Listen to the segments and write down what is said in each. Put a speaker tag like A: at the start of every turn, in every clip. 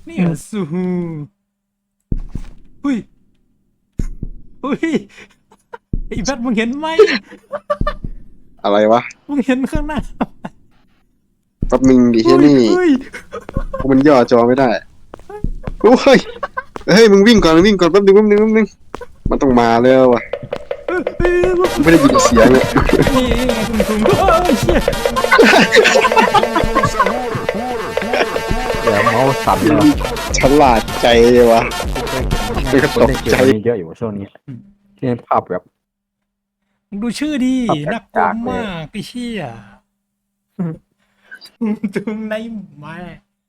A: นี่เหรอซูฮูหุ้ยหุ้ยไอ้แพทมึงเห็นไหม
B: อะไรวะ
A: มึงเห็นข้างหน้า
B: แป๊บนึงดิเฮีย
A: เฮ้ย
B: นี่
A: เฮ้ย
B: มันย่อจอไม่ได้โอ้ยเฮ้ยมึงวิ่งก่อนแป๊บนึงมันต้องมาแล้ววะ
A: เฮ้ย
B: ไม่ได้ยินเสียงเลย
A: นี่ไงทุ่งเฮ้ยเชี่ย
C: เดี๋ยวเมาส์สั่นเลย
B: ฉลาดใจวะมันก็
C: คน
B: ตก
C: เล่นเก
B: ใจ
C: มนี้เยอะอยู่ช่วงนี้ที่ภาพแบบ
A: มึงดูชื่อดิ
C: ครับ
A: น่ากลัว
C: จากเลย
A: มากไอ้เชี่ยทุ่งในไม้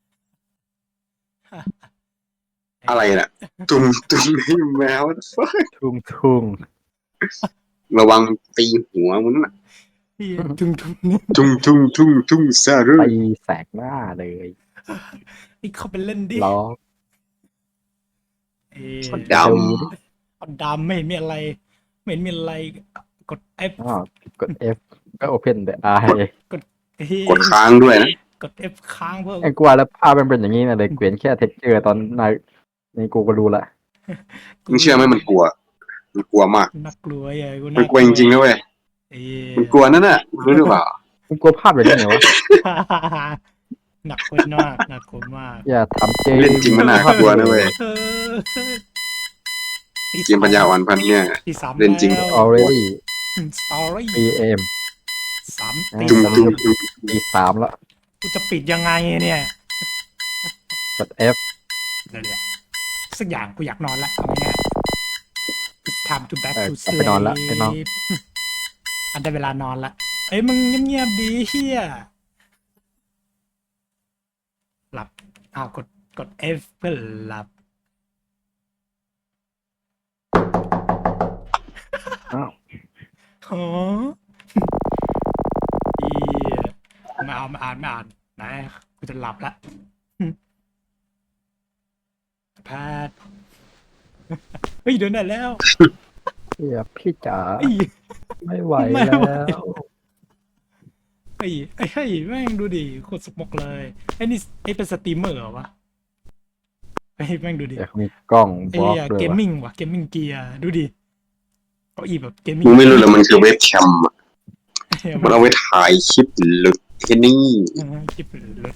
B: อะไรน่ะตุ้มให้แมว
C: ทุ่ง
B: ระวังตีหัวมึงน่ะ
A: เหี้ยทุ่ง
B: ทุ่งซารุ
C: ไปแสกหน้าเลย
A: ไอ้เขาไปเล่นดิ
C: ล้อ
A: เอ้ย
B: ด
A: เอาดำไม่เห็นมีอะไรไม่เห็นมีอะไรกด F
C: อ๋อกด F ก็ Open the Eye
A: เฮ้ย
B: ำกดค้างด้วยนะ
A: กด F ค้างเพื่อ
C: ไอ้กลัวแล้วภาพมันเป็นอย่างนี้นะเลยเกวียนแค่เท็กเจอร์ตอนในกูก็รู้ละ
B: มึงเชื่อไหมมันกลัวมาก
A: น่ากลัวอย่ากู
B: มันกลัวจริงๆนะเว้ย
A: เอ้ย
B: มันกลัวนั่นน่ะรู้หรือเปล่า
C: มึงกลัวภาพแบบนี้ไงวะ
A: หนักคนมากหนักคนมาก
C: อย่าทำเจ
B: เล่นจริงมันน่ากลัวนะเว้ย
A: เออ
B: เกมปัญญาอ่อนพันเนี่ย
A: ที่สาม
B: เล่นจริง
A: แล้ว
C: already
A: สตอรี่
C: PM
A: สาม
C: อ่า
A: ตี
B: จุ่ม
A: สาม
C: ปี3แล้ว
A: กูจะปิดยังไงเนี่ย
C: กด F
A: เดี๋ยวสักอย่างกูอยากนอนละเอาง่ายๆ It's time to back
C: เออ
A: to
C: กลับไปนอนละ
A: sleep
C: ไปนอน
A: อันได้เวลานอนละเอ้ยมึงเงียบๆดีเฮียหลับอ้าวกด F เพื่อหลับ
C: อ้าว
A: ฮะเฮียไม่อ่านนะกูจะหลับละแพทย์เฮ้ยเดินได้แล้ว
C: เฮียพี่จ๋า
A: เฮ้ย
C: ไม่ไหว
A: ไม่
C: แล้
A: ไหว
C: ว
A: เฮ้ยแม่งดูดิโคตรสมกเลยไอ้นี่ไอ้เป็นสตรีมเมอร์เหรอวะเฮ้ยแม่งดูดิ
C: เดี๋ยวมีกล้อง
A: ไอ้
C: บล็อก
A: เหี้ย
C: ด้วย
A: เกม
C: วะ
A: มิ่งว่ะเกมมิ่งเกียร์ดูดิเก้าอี้แบบเกมมิ่ง
B: มึงไม่รู้เลยมันคือเว็บแคมอะ
A: เหี้ย
B: มันเอาไว้ถ่ายคลิปหลุดแค่นี้
A: คลิปเลย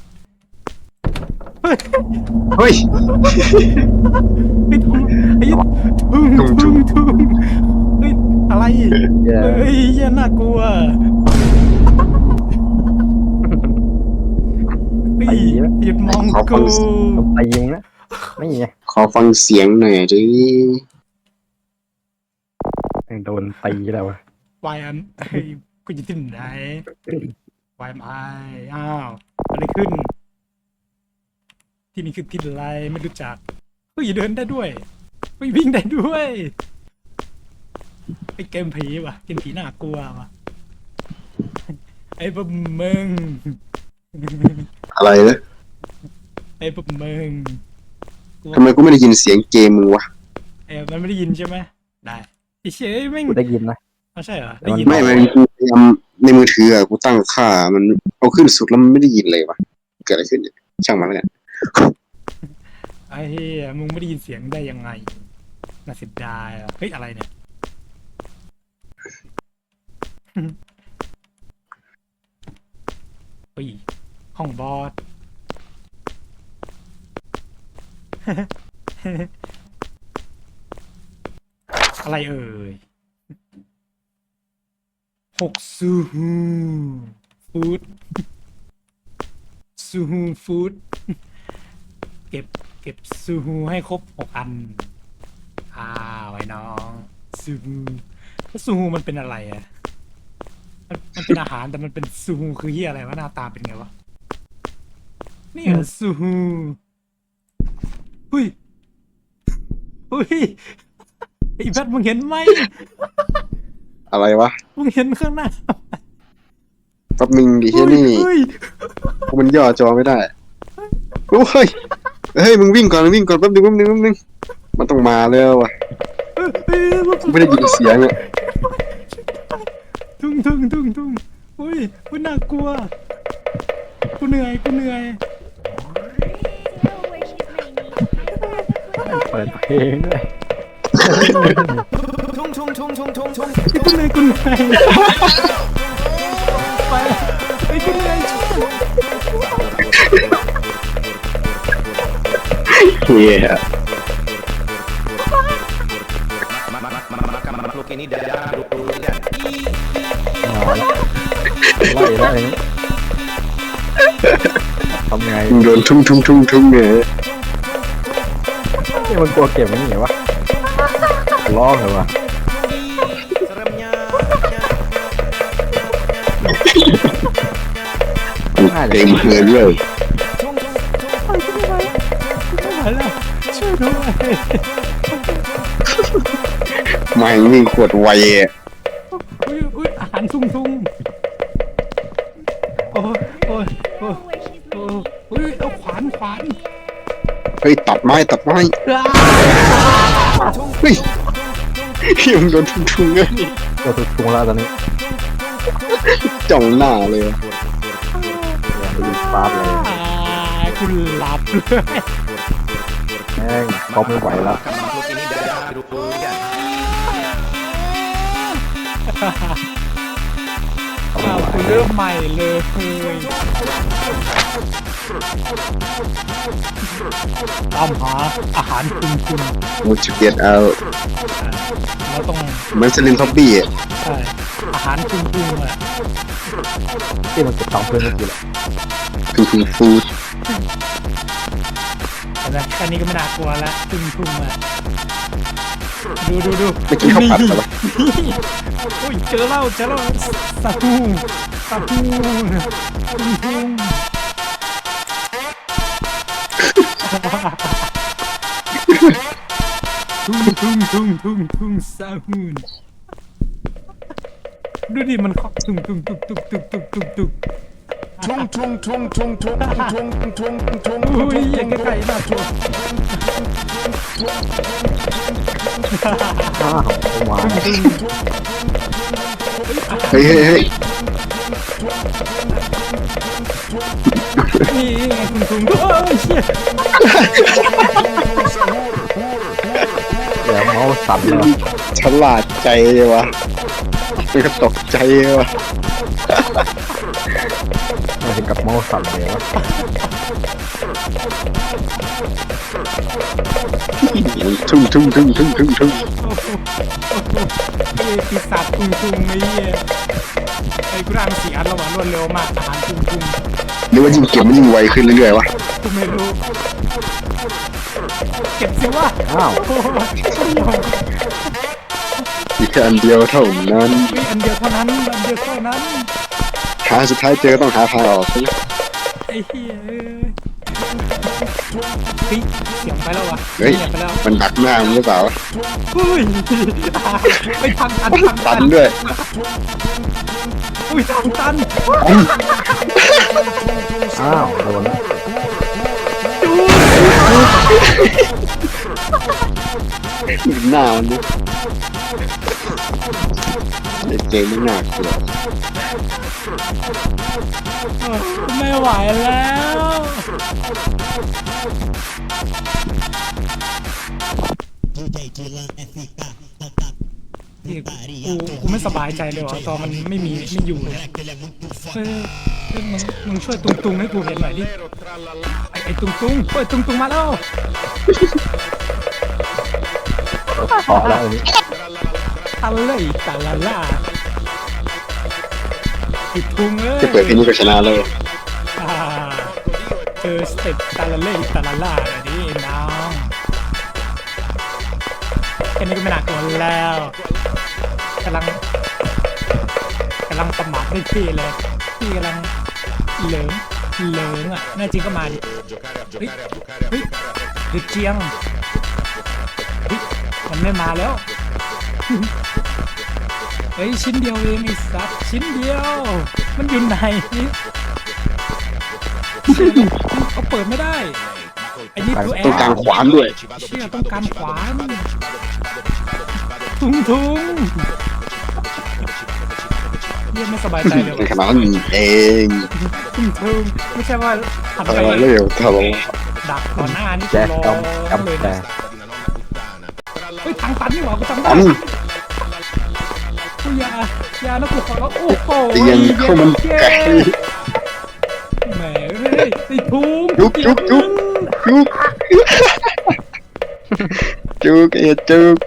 B: เฮ้ย
A: ไอ้ทุ่งไอ้ทุ่งเฮ้ยอะไร
C: เหี้ย
A: เฮ้ยเหี้ยน่ากลัวเฮ้ยหยุดมองกู
C: ต้องตีมึงนะไม่ไง
B: ขอฟังเสียงหน่อยดิ
C: โดนตีแล้ววะ
A: วายอันเฮ้ยกูอยู่ที่ไหนวายไออ้าวอะไรขึ้น ที่นี่คือที่อะไรไม่รู้จักเฮ้ยเดินได้ด้วยเฮ้ยวิ่งได้ด้วยไอ้เกมผีว่ะเกมผีน่ากลัวว่ะไอ้พวกมึง
B: อะไรนะ
A: ไอ้พวกมึง
B: ทำไมกูไม่ได้ยินเสียงเกมมึงวะ
A: มันไม่ได้ยินใช่ไหมได้ไอ้เชยแม่ง
C: กูได้ยินนะ
A: ไม่ใช่เหรอ
C: แต่
A: ได้
C: มัน
A: ยิน
B: ไม่ไม่กูพยายามในมือถืออะกูตั้งค่ามันเอาขึ้นสุดแล้วมันไม่ได้ยินเลยวะเกิดอะไรขึ้นเนี่ยช่างมันแล้วกัน
A: ไอ้เหี้ยมึงไม่ได้ยินเสียงได้ยังไงน่าเสียดายอ่ะเฮ้ยอะไรเนี่ยเฮ้ยห้องบอส อะไรเอ่ย6ซูฮูฟู้ดซูฮูฟู้ดเก็บซูฮูให้ครบ6 อันไอ้น้องซูฮูแล้วซูฮูมันเป็นอะไรอ่ะมันเป็นอาหารแต่มันเป็นซูฮูคือเฮียอะไรวะหน้าตาเป็นไงวะนี่เหรอซูฮูเฮ้ยเฮ้ยไอ้แพทมึงเห็นไหม
B: อะไรวะ
A: มึงเห็นข้างหน้า
B: แป๊บนึงดิเฮียนี่
A: เฮ้ย
B: มันย่อจอไม่ได้โอ้ยเฮ้ยมึงวิ่งก่อนแป๊บนึงมันต้องมาแล้ววะ
A: เฮ้ย
B: ไม่ได้ยินเสียงอะ
A: ทุ่งเฮ้ยน่ากลัวกูเหนื่อย
D: Tell her where she's making
C: ปิดเพลงด้วย
A: ไอ้คุณนายคุณนายไปไอ้คุณนาย
B: เฮีย
D: makhluk ini dalam durian.
C: ไล่ไล่ทำไง
B: มึงโดนทุ่งเนี่ย
C: นี่มันกลัวเก็บมันหนีวะร้องเลยวะ
D: Seremnya.
B: เต็มเฮือนเลย
A: ไม่ไหวแล้วช่วยด้วย
B: ไม่งวิ่งขวดไวอ่ะ
A: อุ้ยอาหารทุ่งโอ้ยโอ้ยโอ้ยโอ้ยอุ้ยเอาขวาน
B: เฮ้ยตัดไม้เฮ้ยเฮียมึงโดนทุ่งเลย
C: เราถูกตุงแล้วตอนนี้
B: จ้องหน้าเลย
C: ไปยิงฟาดเลย
A: คุณหลับเลย
C: แม่งเขาไม่ไหวแล้ว
D: Makhluk ini dalam durian.
A: อ้าวคุณเริ่มใหม่เลยตามหาอาหารคุณ
B: มูจิเกียดเอา
A: เราต้อง
B: เหมือนสลินท็อปปี้อ่ะ
A: ใช่อาหารคุณอ่ะ
C: ที่มันเก็บตังค์เพื่อนเมื่อกี้แหละ
B: คือฟู้ด
A: เห็นไหมแค่นี้ก็ไม่น่ากลัวแล้วทุ่งอ่ะดู
B: ไม่กินข้าวผัดเหรอ
A: โอ้ยเจอแล้วสาคูทุ่งทุ่งสาคูดูดิมันเคาะทุ่ง อุ้ยอย่างไก่น่ากลัว
C: อ้าวเอามา
B: เฮ้ย
A: นี่ไงคุณโอ้ยเชี่ย
C: เดี๋ยวเมาส์สั่นแล้ว
B: ฉลาดใจเลยวะมันก็ตกใจเลยวะ
C: มาถึงกับเมาส์สั่นเลยวะ
B: ทุ่ง
A: ไอ้ปีศาจทุ่งไอ้เหี้ยไอ้กูร่างเสียระหว่างรวดเร็วมากอาหารทุ่ง
B: หรือว่ายิ่งเก็บมันยิ่งไวขึ้นเรื่อยๆวะ
A: กูไม่รู้เก็บสิวะ
C: อ้าว
A: โอ้ย
B: มีแค่อันเดียวเท่านั้น
A: มีอันเดียวเท่านั้น
B: หาสุดท้ายเจอต้องหาทางออกใช่ไหม
A: ไอ้เหี้ยเฮ้ยเสียงไปแล้ววะ
B: เฮ้ย
A: เสียงไปแล้ว
B: มันดักหน้ามึงหรือเปล่าวะ
A: อุ้ยไปทางตัน
B: ตันด้วย
A: อุ้ยทางตัน
C: อ้าวโดนแล้ว
B: หน้ามันเนี่ยเกมไม่น่ากลัว
A: ไม่ไหวแล้ว นี่กูไม่สบายใจเลยว่ะตอนมันไม่อยู่เนี่ยเฮ้ยมึงช่วยตุงให้กูเห็นหน่อยดิไอ้ตุงเฮ้ยตุงมาแล้ว
C: ขอแล้วอันนี้
A: ตาลาล่าไอ้ตุงเอ้ย
B: จะเปิดเพลงนี้ก็ชนะเลย
A: อ่าเจอสเต็ปตาลาล่าหน่อยดิน้องแค่นี้ก็ไม่หนักตัวแล้วกำลังประมาทได้ที่เลยที่กำลังเหลิงอ่ะแน่จริงก็มาดิเฮ้ยเด็กเจียงเฮ้ยมันไม่มาแล้วเฮ้ยชิ้นเดียวเองไอ้สัตว์ชิ้นเดียวมันอยู่ไหนเขาเปิดไม่ได้ไอ้นี่ตัวแอ
B: ต้องการ
A: ร์
B: ขวานด้วย
A: เชี่ยต้องการขวานทุงเรียกไม่สบายใจเลย
B: ใน
A: ว่ะ
B: ขณะนั้นเอง
A: ทุงไม่ใช่ว่าหัน
B: ทำ
A: ไป
B: อะไรเร็วทำอะไร
A: ดักต่อหน้านี่
C: แจ็ค
A: รอ
C: กำ
A: เลย
C: แต่
A: นะเฮ้ยทางตันนี่หว่ากูจำได้
B: อัน
A: กูอย่านะกูขอร้องโอ้โห
B: เตียงข้าวมันไก่
A: แหมเฮ้ยไอ้ทุ่ง
B: จุกจุกจุก จุกจุกจุก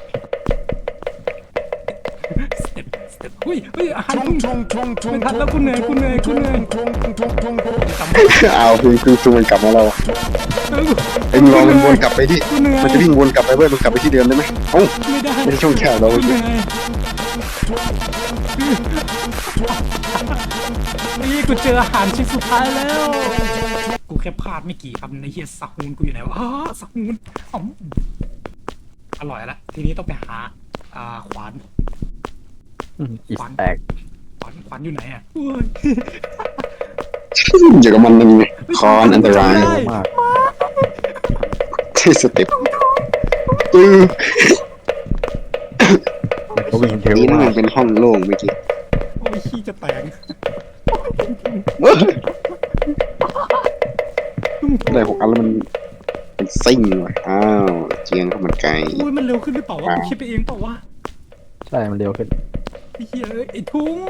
A: สเต็ปเฮ้ยอาหารทุ่งไม่ทันแล้วกูเหนื่อยจำไม่ได้
B: เอาคือมันกลับมาเรา ไอ้มึงลองมันวนกลับไปดิ
A: กูเหนื่อย
B: มันจะวิ่งวนกลับไปเว้ยมันกลับไปที่เดิมได้ไหมเอ้า
A: ไม่ได้
B: ไม่ใช่ช่องแคบเรา
A: กูเหนื่อยนี่กูเจออาหารชิ้นสุดท้ายแล้ว กูแค่พลาดไม่กี่คำในเฮียสักมูนกูอยู่ไหนวะสักมูนอร่อยละทีนี้ต้องไปหาขวาน
C: อีสแตก
A: ขวานอยู่ไหนอ่ะอุ้ย
B: อยู่กับมันนี่คอนอันตราย
A: ไม่ได้
C: มาก
B: ที่สเต็ปตื้อ
C: มันก็วิ่งเร็ว
B: นี่นั่น
C: มา
B: มั
C: ก
B: นเป็นห้องโล่งเมื่อกี้
A: โอ้ยขี้จะแตก
B: ได้6 อันแล้วมันซิ่งว่ะอ้าวเจียงข้าวมันไก่
A: อุ้ยมันเร็วขึ้นหรือเปล่าวะกูคิดไปเองเปล่าวะ
C: ใช่มันเร็วขึ้น
A: ไอ้เหี้ยเอ้ยไอ้ทุ่ง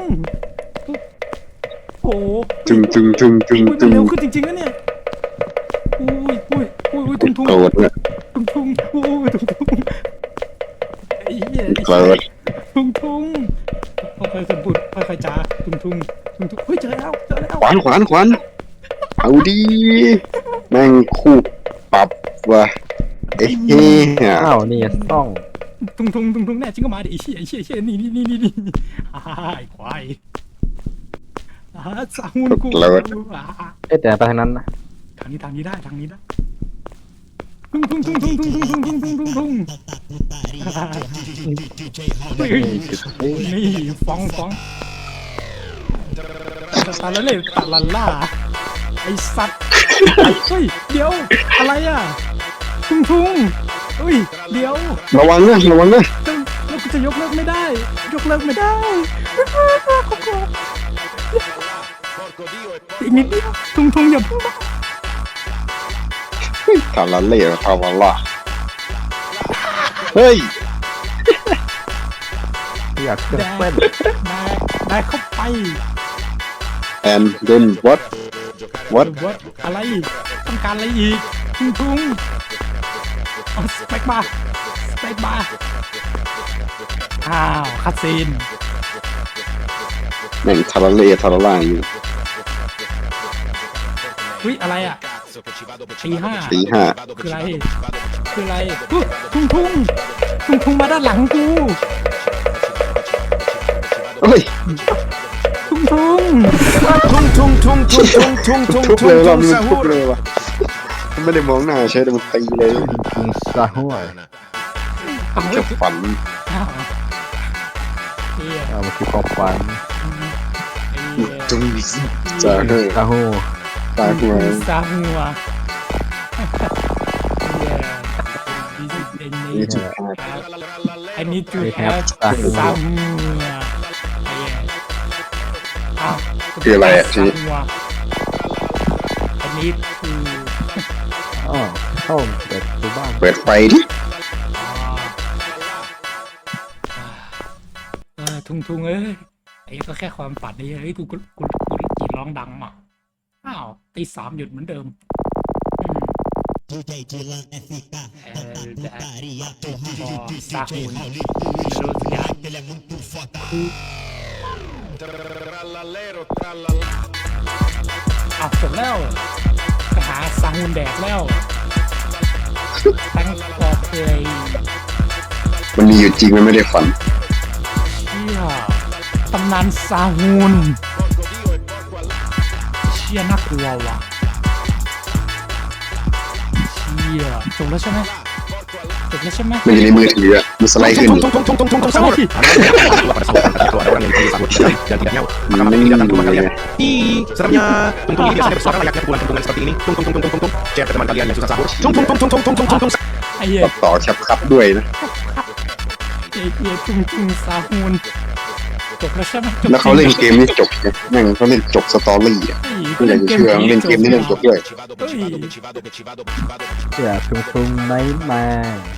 A: โอ้โห
B: จุง
A: อุ้ยมันเร็วขึ้นจริงๆนะเนี่ยอุ้ยทุ่ง
B: โกรธเนี่ย
A: อุ้ยทุ่งไอ้เหี้ย
B: โกรธ
A: ทุ่งค่อยๆสมบูรณ์ค่อยๆจ้าทุ่งเฮ้ยเจอแล้ว
B: ขวานเอาดีแม่งคู่ปรับว่ะเอ๊ะ
C: อ้าวนี่ต้อง
A: ทุ่งแน่จริงก็มาดิไอ้เชี่ยนี่ไอ้ควายสามุนกู
C: เอ๊ะแต่ไปทางนั้นนะ
A: ทางนี้ได้ทุ่งนี่ฟองตาละเล่ตาละล่าไอ้สัตว์เฮ้ยเดี๋ยวอะไรอ่ะทุ่งเฮ้ยเดี๋ยว
B: ระวังนะ
A: แล้วกูจะยกเลิกไม่ได้อีกนิดเดียวทุ่งอย่าเพิ่งมา
B: ทาราเล่ทาวาล่าเฮ้ย
C: อยากจะเต้น
A: ได้เข้าไป
B: and then what
A: วัดอะไรต้องการอะไรอีกทุ่งสเปกบาร์อ้าวคัดซีน
B: แม่งทาราเล่ทาราล่าอยู่
A: อุ้ยอะไรอ่ะตีห้า
B: ตีห้า
A: คืออะไรทุ่งมาด้านหลังกู
B: เฮ้ย
A: ทุ่ง
B: ทุบเลยรอบนี้มันทุบเลยว่ะมันไม่ได้มองหน้าใช่แต่มันตีเลย
C: ยิงซาหัว
B: จะฝัน
A: เฮีย
C: มันคือความฝัน
B: จุงจะเฮ้ย
C: ซาหัว
B: ตาหัว
A: ซาหัว
B: นี่จุด
A: I need to have ซาหัวอ้าว
B: คืออะไรอ่ะที
A: I need to
C: อ๋อเข้าเปิดตัวบ้าน
B: เปิดไฟดิ
A: ทุ่งเอ้ยไอ้ก็แค่ความฝันนี่เฮ้ยกูกรีดร้องดังอ่ะอ้าวตี 3หยุดเหมือนเดิมสาหุนรู้สักอย่างเอาจบแล้วไปหาสาหุนแดกแล้วตั้งปอเคย
B: มันมีอยู่จริงมันไม่ได้ฝัน
A: เชี่ยตำนานซาฮูนเชี่ยน่ากลัวว่ะเชี่ยจบแล้วใช่ไหม
B: มันอยู่ในมือถืออ่ะมันสไลด์ขึ้นอยู่
A: ใช่
B: มันไม่มีเลย
D: Seremnya, tentu ini biasanya bersuara layaknya pukulan-pukulan seperti ini. Cek ke teman kalian yang susah sahur.
A: ไอ้เหี้ย
B: ตัดต่อครับด้วยนะ
A: ไอ้เหี้ยทุ่งซาฮูนจบแล้วใช่ไหม
B: แล้วเขาเล่นเกมนี้จบไงแม่งเขาเล่นจบสตอรี่อ่ะไม่อยากจะเชื่อเล่นเกมนี้เล่นจบด้วย
C: อยากทุ่งๆไหนมา